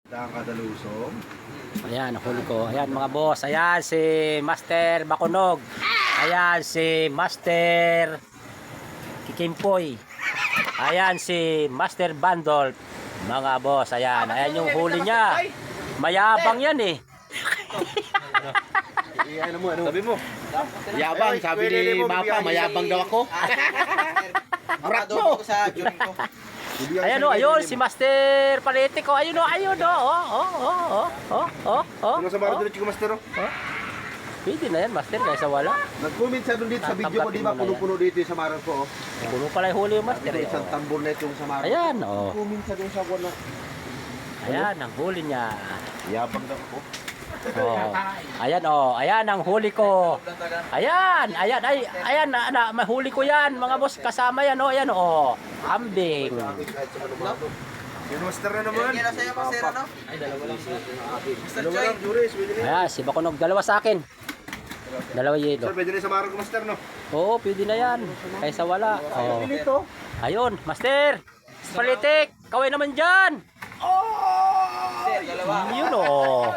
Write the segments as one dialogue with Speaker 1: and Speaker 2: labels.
Speaker 1: Kadalusong.
Speaker 2: Ayan, huli ko. Ayan mga boss. Ayan si Master Bakunog. Ayan si Master Kikimpoy. Ayan si Master Bandol. Mga boss, ayan. Ayan yung huli niya. Mayabang yan eh.
Speaker 1: Sabi mo. Yabang, sabi ni Mapa, mayabang daw ako. Arat mo.
Speaker 2: Ayan o, ayun si Master Paletico. Ayun o, ayun o.
Speaker 1: Ano sa maro dito, Master?
Speaker 2: Pwede na yan, Master, kaysa wala.
Speaker 1: Nag-comment siya doon dito sa video ko, di ba? Puno-puno dito yung Samaran ko.
Speaker 2: Puno pala yung huli yung Master.
Speaker 1: Isang tambor na itong Samaran.
Speaker 2: Ayan, o.
Speaker 1: Nag-comment siya doon sa wala.
Speaker 2: Ayan, ang huli niya.
Speaker 1: Yabang daw ako.
Speaker 2: Oh. Ayan oh, ayan ang huli ko. Ayan, ayan, ayan na, mahuli ko yan, mga boss, kasama yan oh, ayan oh. Ambing.
Speaker 1: Yung Master na naman.
Speaker 3: Kaya sa'yo, Master, ano? Ay, dalawa lang. Master Choy.
Speaker 2: Ayan, si Bakunog, dalawa sa akin. Dalawa yelo.
Speaker 1: Sir, pwede rin sa maro ko, Master, no?
Speaker 2: Oo, pwede na yan. Kaysa wala. Oh. Ayun, Master. Palitik, kaway naman dyan.
Speaker 3: Master, dalawa.
Speaker 2: Yun oh.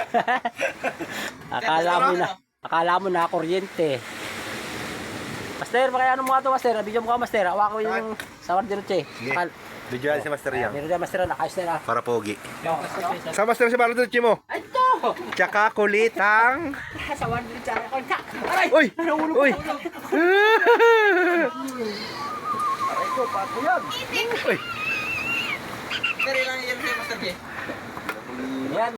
Speaker 2: Akala mo na kuryente. Master, makayano mo nga ito, Master. Bigyan mo ka, Master. Awa ko yung sawar dito, che.
Speaker 1: Video si Master yan.
Speaker 2: Meron na, Master, nakayos na.
Speaker 1: Para pogi. Sa Master si Maro dito, mo.
Speaker 2: Ito!
Speaker 1: Tsaka kulitang.
Speaker 2: Sawar dito, che. Aray!
Speaker 1: Uy! Uy!
Speaker 2: Aray ko, pato yan.
Speaker 1: Uy!
Speaker 3: Master, ilang yan sa'yo, Master J?